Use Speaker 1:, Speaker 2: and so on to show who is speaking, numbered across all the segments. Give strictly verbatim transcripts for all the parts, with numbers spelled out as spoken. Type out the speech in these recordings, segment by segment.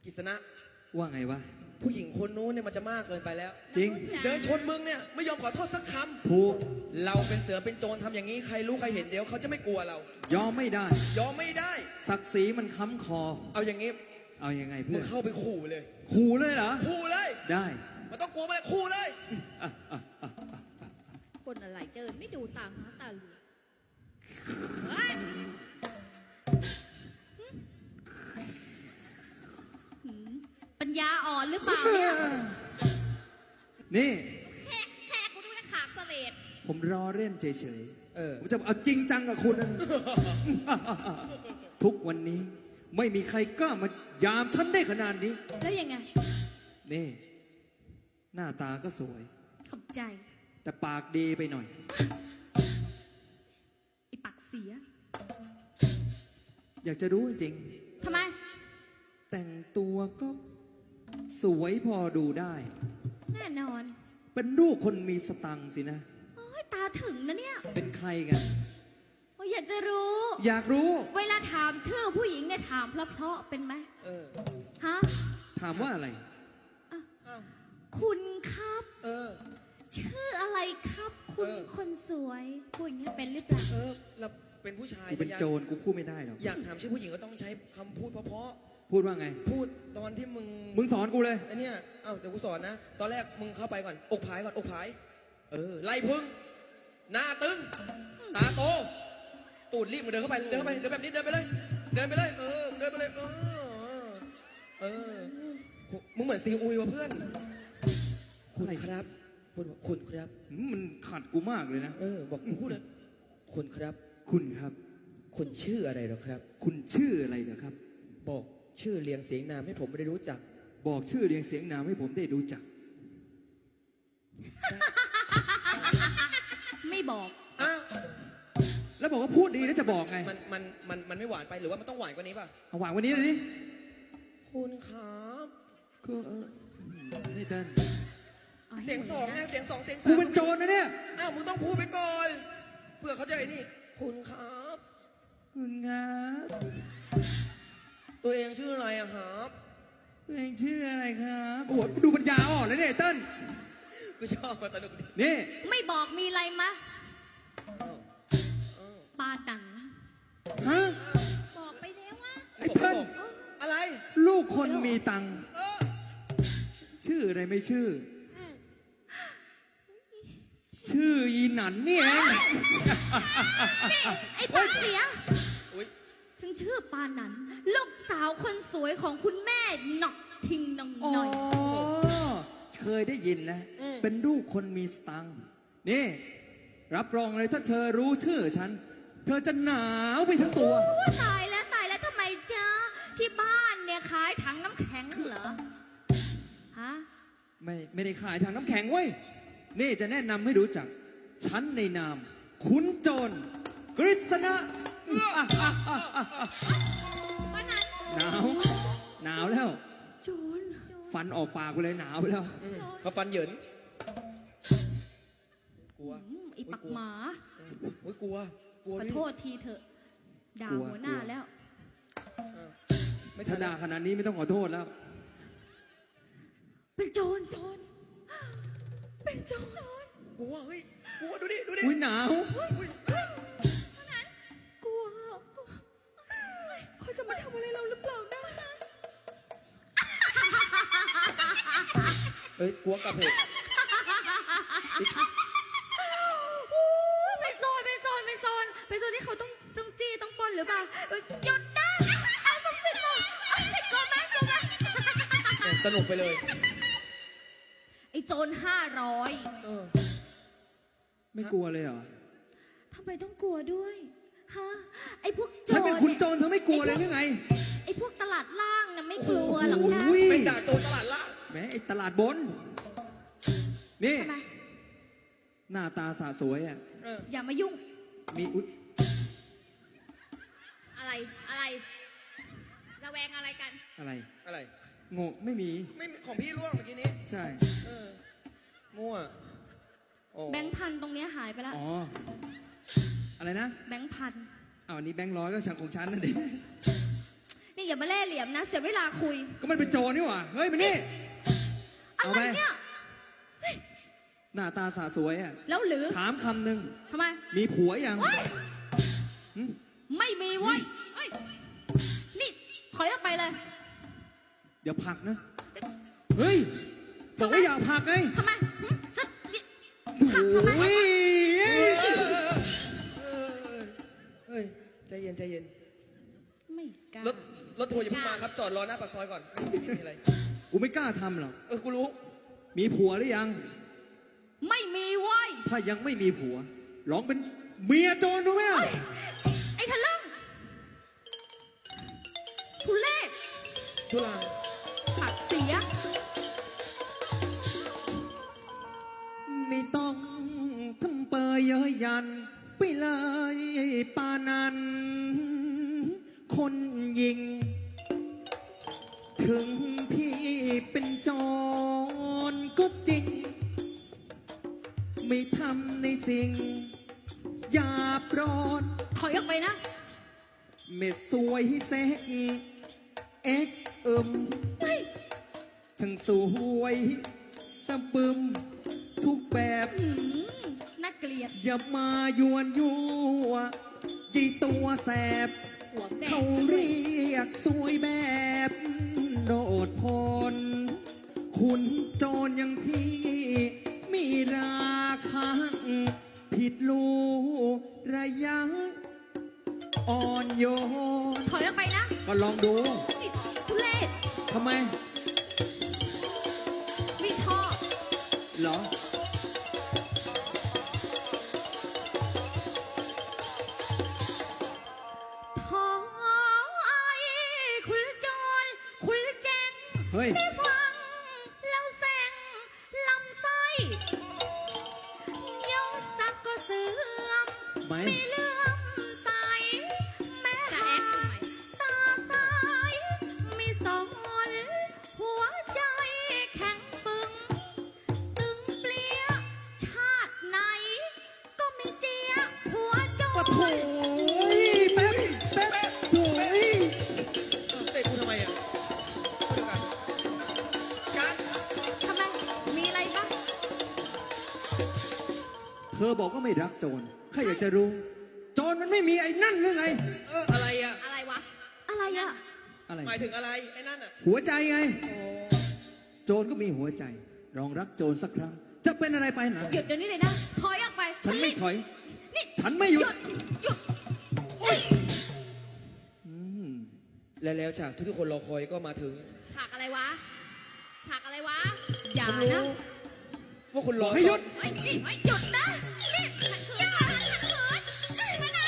Speaker 1: กิษณะ
Speaker 2: ว่าไงวะ
Speaker 1: ผู้หญิงคนนู้นเนี่ยมันจะมากเกินไปแล้ว
Speaker 2: จริง
Speaker 1: เดินชนมึงเนี่ยไม่ยอมขอโทษสักคำ
Speaker 2: ถูก
Speaker 1: เราเป็นเสือเป็นโจรทำอย่างนี้ใครรู้ใครเห็นเดี๋ยวเขาจะไม่กลัวเรา
Speaker 2: ยอมไม่ได้
Speaker 1: ยอมไม่ได้
Speaker 2: ศักดิ์ศรีมันค้ำคอ
Speaker 1: เอาอย่างนี้
Speaker 2: เอายังไงเพื่
Speaker 1: มึ
Speaker 2: อน
Speaker 1: งเข้าไปขู่เลย
Speaker 2: ขู่เลยเหรอ
Speaker 1: ขู่เลย
Speaker 2: ได้
Speaker 1: มันต้องกลัวมันเลยขู่เลย
Speaker 3: คนอะไรเดินไม่ดูตามหาตาเหลือกปัญญาอ่อนหรือเปล่าเนี่ย
Speaker 2: นี่
Speaker 3: แค่แค่กูดูแค่ขากเสลด
Speaker 2: ผมรอเล่นเฉย
Speaker 1: ๆเออ
Speaker 2: ผมจะเอาจริงจังกับคุณนะ ทุกวันนี้ไม่มีใครกล้ามายามฉันได้ขนาดนี้
Speaker 3: แล้วยังไง
Speaker 2: นี่หน้าตาก็สวย
Speaker 3: ขอบใจ
Speaker 2: แต่ปากดีไปหน่อย
Speaker 3: ไอปากเสีย
Speaker 2: อยากจะรู้จริง
Speaker 3: ทำไม
Speaker 2: แต่งตัวก็สวยพอดูได้
Speaker 3: แน่นอน
Speaker 2: เป็นลูกคนมีสตังค์สินะ
Speaker 3: โอ้ยตาถึงนะเนี่ย
Speaker 2: เป็นใครกัน
Speaker 3: โอ้ยอยากจะรู้
Speaker 2: อยากรู้
Speaker 3: เวลาถามชื่อผู้หญิงเนี่ยถามเพราะๆเป็นไหม
Speaker 1: เออ
Speaker 3: ฮะ
Speaker 2: ถามว่าอะไร
Speaker 3: คุณครับ
Speaker 1: เออ
Speaker 3: ชื่ออะไรครับคุณคนสวยพูดอย่างนี้เป็นหรือเปล่า
Speaker 1: เออเราเป็นผู้ชาย
Speaker 2: กูเป็นโจรกูพูดไม่ได้หรอก
Speaker 1: อยากถามชื่อผู้หญิงก็ต้องใช้คำพูดเพราะ
Speaker 2: ๆพูดว่าไง
Speaker 1: พูดตอนที่มึง
Speaker 2: มึงสอนกูเลย
Speaker 1: ไอเนี้ยเอ้าเดี๋ยวกูสอนนะตอนแรกมึงเข้าไปก่อนอกผายก่อนอกผายเออไล่พึ่งหน้าตึงตาโตตูดรีบมึงเดินเข้าไปเดินเข้าไปเดินแบบนี้เดินไปเลยเดินไปเลยเออเดินไปเลยเออเออมึงเหมือนซีอุยวะเพื่อนคุณครับพูดคุณครับ
Speaker 2: มันขัดกูมากเลยนะ
Speaker 1: เออบอกพูดเลยคุณครับ
Speaker 2: คุณครับ
Speaker 1: คุณชื่ออะไรหรอครับ
Speaker 2: คุณชื่ออะไรเหรอครับ
Speaker 1: บอกชื่อเรียงเสียงนามให้ผมได้รู้จัก
Speaker 2: บอกชื่อเรียงเสียงนามให้ผมได้รู้จัก
Speaker 3: ไม่บอก
Speaker 1: อ้าว
Speaker 2: แล้วบอกว่าพูดดีแล้วจะบอกไง
Speaker 1: มันมันมันมันไม่หวานไปหรือว่ามันต้องหวานกว่านี้ป่ะ
Speaker 2: เอาหวานกว่านี้เลยดิ
Speaker 1: คุณครับ
Speaker 2: ก็นี่เต้น
Speaker 1: เสียงสองไงเสียงสองเสียงสาม
Speaker 2: กูเป็นโจรนะเนี่ย
Speaker 1: อ้าวมึงต้องพูดไปก่อนเพื่อเขาจะไอ้นี่คุณครับ
Speaker 2: คุณครับ
Speaker 1: ตัวเองชื่ออะไรอะครับ
Speaker 2: ตัวเองชื่ออะไรครับโอ้โหดูปัญญาอ่อนเลยเนี่ยเต้น
Speaker 1: กูชอบมาตลกดิ
Speaker 2: นี่
Speaker 3: ไม่บอกมีอะไรมะปาตัง
Speaker 2: ฮะ
Speaker 3: บอกไปแล้วว่า
Speaker 2: ไอ้เต้น
Speaker 1: อะไร
Speaker 2: ลูกคนมีตังค์ชื่ออะไรไม่ชื่อชื่ออีหนันนี่เอง
Speaker 3: ไอ้ปากเสียฉันชื่อปานันลูกสาวคนสวยของคุณแม่หนอกทิงนองหน่อย
Speaker 2: อ๋อเคยได้ยินแล้วเป็นลูกคนมีสตังค์นี่รับรองเลยถ้าเธอรู้ชื่อฉันเธอจะหนาวไปทั้งตัว
Speaker 3: ตายแล้วตายแล้วทำไมจ๊ะที่บ้านเนี่ยขายถังน้ำแข็งเหรอฮะ
Speaker 2: ไม่ไม่ได้ขายถังน้ำแข็งเว้ยนี่จะแนะนำให้รู้จักฉันในนามขุนโจรกฤษณะหนาวหนาวแล้ว
Speaker 3: โจร
Speaker 2: ฟันออกปากไปเลยหนาวไปแล้ว
Speaker 1: เขาฟันเหยินกลัว
Speaker 3: ไอ้ปักหมา
Speaker 1: โอ้ยกลัวกลัว
Speaker 3: ขอโทษทีเถอะด่าหัวหน้าแล้ว
Speaker 2: ไม่ถ้าด่าขนาดนี้ไม่ต้องขอโทษแล้ว
Speaker 3: เป็นโจรโจรเป็นโจร
Speaker 1: กลัวเฮ้ยกลัวดูดิดูดิ
Speaker 2: อุ้ยหนาว
Speaker 3: กลัวเขาจะมาทำอะไรเราหรือเปล่านะ
Speaker 1: เฮ้ยกลัวกับเหตุ
Speaker 3: เป็นโจรเป็นโจรเป็นโจรเป็นโจรที่เขาต้องจงจี้ต้องปล้นหรือเปล่าหยุดนะเอาสักสิบโมงกลัวไหมกลัวไหม
Speaker 1: สนุกไปเลย
Speaker 3: ไอ้โจรห้าร้อย
Speaker 2: ไม่กลัวเลยเหรอ
Speaker 3: ทำไมต้องกลัวด้วยฮะไอ้พวกโจร
Speaker 2: ฉันเป็นคุณโจรเธอไม่กลัวเลยหรือไง
Speaker 3: ไอ้พวกตลาดล่างน่ะไม่กลัวหรอกนะ
Speaker 1: ไม่ด่าโจรตลาดล่าง
Speaker 2: แม้ไอ้ตลาดบนนี่หน้าตาสะสวยอ่ะ
Speaker 3: อย่ามายุ่ง
Speaker 2: มีอุ๊ย
Speaker 3: อะไรอะไรระแวงอะไรกัน
Speaker 2: อะไร
Speaker 1: อะไร
Speaker 2: งงไม่มี
Speaker 1: ไม่ของพี่ล่วงเมื่อกี้นี้
Speaker 2: ใช่
Speaker 1: เออมั่ว
Speaker 3: แบงค์พันตรงนี้หายไปแล้ว
Speaker 2: อ๋ออะไรนะ
Speaker 3: แบงค์พัน
Speaker 2: อ้าวอันนี้แบงค์ร้อยก็ฉันของฉันนั่นเอง
Speaker 3: นี่อย่าอย่ามาเล่ห์เหลี่ยมนะ เสียเวลาคุย
Speaker 2: ก็มันเป็นโจรนี่หว่า เฮ้ยมานี่
Speaker 3: อะ
Speaker 2: เอา
Speaker 3: ไร
Speaker 2: ไป
Speaker 3: เนี่ย
Speaker 2: หน้าตาสาสวยอ่ะ
Speaker 3: แล้วหรือ
Speaker 2: ถามคำหนึ่ง
Speaker 3: ทำไม
Speaker 2: มีผัวยัง
Speaker 3: เฮ้ย
Speaker 2: หึ
Speaker 3: ไม่มีเว้ยเฮ้ยนี่ถอยออกไปเลย
Speaker 2: เดี๋ยวผลักนะ เฮ้ย บอกว่าอย่าผลักไง
Speaker 3: ทำไมหึจะ
Speaker 2: โอ้ย
Speaker 1: เฮ้ยใจเย็นใจเย็น
Speaker 3: ไม่กล้าร
Speaker 1: ถรถทัวร์อย่าเพิ่งมาครับ จอดรอหน้าปากซอยก่อนไม่มีอะไร
Speaker 2: กูไม่กล้าทำหรอก
Speaker 1: เออ กูรู้
Speaker 2: มีผัวหรือยัง
Speaker 3: ไม่มีเว้ย
Speaker 2: ถ้ายังไม่มีผัว ลองเป็นเมียโจรดูไหมล่ะ
Speaker 3: เฮ้ยไอ้ทะลึ่งทุเล่
Speaker 1: ทุลา
Speaker 3: ปากเสีย
Speaker 2: ไม่ต้องทำเปยเย้ยยัน ไปเลยปานัน คนยิง ถึงพี่เป็นโจรก็จริง ไม่ทำในสิ่งหยาบร้อน
Speaker 3: ถอยออกไปนะ
Speaker 2: ไม่สวยเซ็กเอ็กเอิม
Speaker 3: เฮ้ย
Speaker 2: ทั้งสวยสะบึมทุกแบบ
Speaker 3: หืมน่าเกลียด
Speaker 2: อย่ามายวนยั่วยี่ตัวแสบ
Speaker 3: หัวแด
Speaker 2: เขา
Speaker 3: ง
Speaker 2: เรียกสวยแบบโดดพล คุณโจรอย่างพี่ มีราคาผิดลูระยะอ่อนโยน
Speaker 3: ถอยออกไปนะ
Speaker 2: ก็ลองดู
Speaker 3: นี่ทุเล่
Speaker 2: ทำไม
Speaker 3: ไม่ชอบ
Speaker 2: เหรอ
Speaker 3: ท้องไอ้คุณจรคุณแจง
Speaker 2: เฮ้ย
Speaker 3: ได้ฟังแล้วแซงลำไส้ยศศักดิ์ก็เสื่อม
Speaker 2: ไหม
Speaker 3: ไม่เลื่อมใส แม้หากตาซ้ายมีสอนหัวใจแข็งปึง ตึงเปลี่ยชาติไหน ก็ไม่เจียหัวโจ
Speaker 2: ปะโถ
Speaker 3: ร
Speaker 2: ยแป๊บแป๊บโถ่ย
Speaker 1: เออเตะกูทำไมอ่ะเดี๋ยวกันกัน
Speaker 3: ทำไม มีอะไรบ้าง
Speaker 2: เธอบอกว่าไม่รักโจรข้าอยากจะรู้ โจรมันไม่มีไอ้นั่นหรือไง
Speaker 1: เออ อะไรอ่ะ
Speaker 3: อะไรวะ อะไรอะ
Speaker 2: อะไร
Speaker 1: หมายถึงอะไร ไอ้นั่นอ่ะ
Speaker 2: หัวใจไง
Speaker 1: โอ้
Speaker 2: โจรก็มีหัวใจ ลองรักโจรสักครั้ง จะเป็นอะไรไปนะ
Speaker 3: หยุดเดี๋ยวนี้เลยนะ ถอยออกไป
Speaker 2: ฉันไม่ถอย
Speaker 3: นี่
Speaker 2: ฉันไม่หยุด
Speaker 3: หยุด
Speaker 2: อืม
Speaker 1: และแล้วฉากที่ทุกคนรอคอยก็มาถึง
Speaker 3: ฉากอะไรวะ ฉากอะไรวะ อย่า
Speaker 1: ผมรู้
Speaker 3: นะ
Speaker 1: ว่าคุณรอ
Speaker 2: ให้หยุด
Speaker 3: เฮ้ยนี่เฮ้ยหยุดนะ นี่ขัดขืนขัดขืนขัดขืนนะ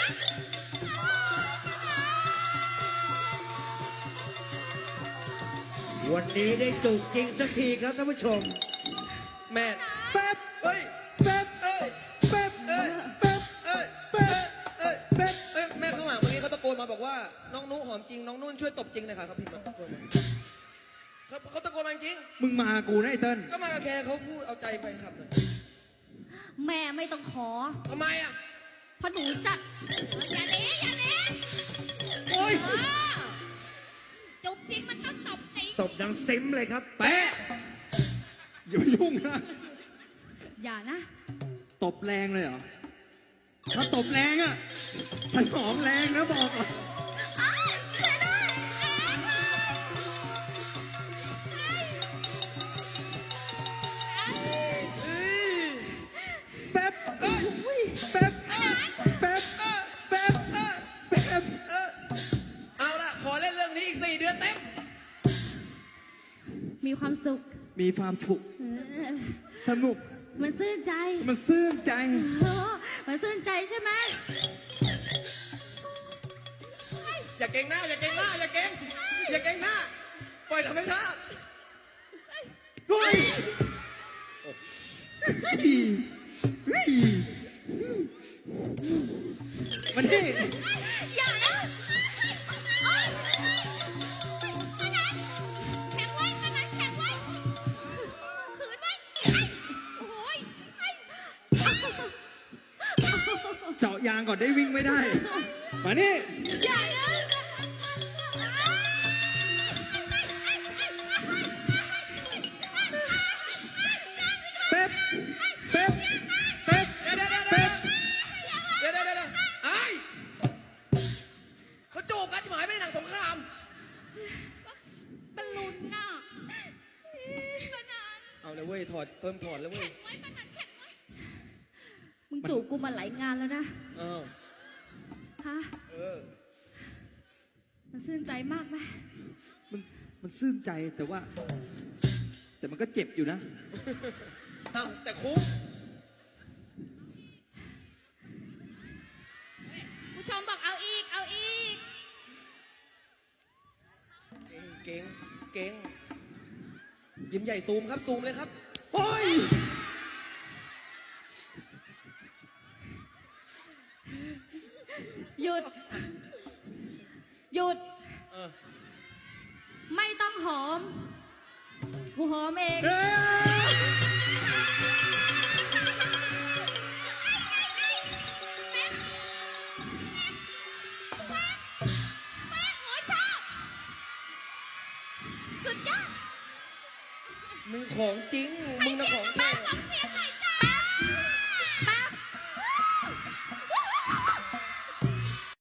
Speaker 4: วันนี้ได้จูบจริงสักทีครับท่านผู้ชม
Speaker 1: แม่
Speaker 2: แป๊บ
Speaker 1: เฮ้ย
Speaker 2: แป๊บ
Speaker 1: เอ้ย
Speaker 2: แป๊บ
Speaker 1: เอ้ย
Speaker 2: แป๊บ
Speaker 1: เอ้ย
Speaker 2: แป๊บ
Speaker 1: เอ้ย
Speaker 2: แป๊บ
Speaker 1: เอ้ย แม่ข้างหลังเมื่อกี้เขาตะโกนมาบอกว่า น้องนุหอมจริง น้องนุ่นช่วยตบจริงหน่อยค่ะเขาพิมพ์มาเขาเขาตะโกนมาจริง
Speaker 2: มึงมากูนะไอ้เติ้ล
Speaker 1: ก็มากับแคร์เขาพูดเอาใจแฟนคลับหน่อย
Speaker 3: แม่ไม่ต้องขอ
Speaker 1: ทำไมอ่ะ
Speaker 3: เพราะหนูจัด อย่าหนีอย่าหนี
Speaker 2: โอ้ย
Speaker 3: เออจุบจริงมันต้องตบจริง
Speaker 4: ตบดังซิมเลยครับ
Speaker 2: แปะอย่าไปยุ่งนะ
Speaker 3: อย่านะ
Speaker 2: ตบแรงเลยเหรอ ถ้าตบแรงอ่ะ ฉันหอมแรงนะบอกก่อน
Speaker 3: อ้าวช่วยด้วยแอ๊ะ
Speaker 2: แป๊บเอ้ยแป๊บแป๊บแป๊บแป๊บ
Speaker 1: เออ เอาละขอเล่นเรื่องนี้อีกสี่เดือนเต็ม
Speaker 3: มีความสุข
Speaker 2: มีความฉุก
Speaker 3: เออ
Speaker 2: สนุก
Speaker 3: มันซื่นใจ
Speaker 2: มันซื่นใจ
Speaker 3: เออมันซื่นใจใช่ไหม
Speaker 1: อย่าเก่งหน้า อย่าเก่งหน้า อย่าเก่ง อย่าเก่งหน้า ปล่อยธรรมชาติ
Speaker 2: เฮ้ยเฮ้ยมันนี่
Speaker 3: อย่านะโอ๊ยขนาดแข็งไว้ขนาดแข็งไว้ขืนไว้ไอ้โอ้ยไอ้
Speaker 2: เจาะยางก่อนได้วิ่งไม่ได้ มานี่
Speaker 3: อย่านะ
Speaker 1: แล้วเว้ย ถอดเริ่มถอดแล้วเว้ย
Speaker 3: มึงจูบกูมาหลายงานแล้วนะ
Speaker 1: เออ
Speaker 3: ฮะ
Speaker 1: เออ
Speaker 3: มันซื่นใจมากไหม
Speaker 2: มันมันซื่นใจแต่ว่า แต่มันก็เจ็บอยู่นะ
Speaker 1: อ้าวแต่คุ้ม
Speaker 3: ผู้ชมบอกเอาอีก เอาอีก
Speaker 1: เก่งเก่งเก่งยิ้มใหญ่ซูมครับ ซูมเลยครับ
Speaker 2: โอ้ย
Speaker 3: หยุด หยุด
Speaker 1: เออ
Speaker 3: ไม่ต้องหอม กูหอมเอง
Speaker 2: เอ้ย
Speaker 3: โอ้ยชอบ สุดยอด
Speaker 1: มึงของจริง มึงนะของแท้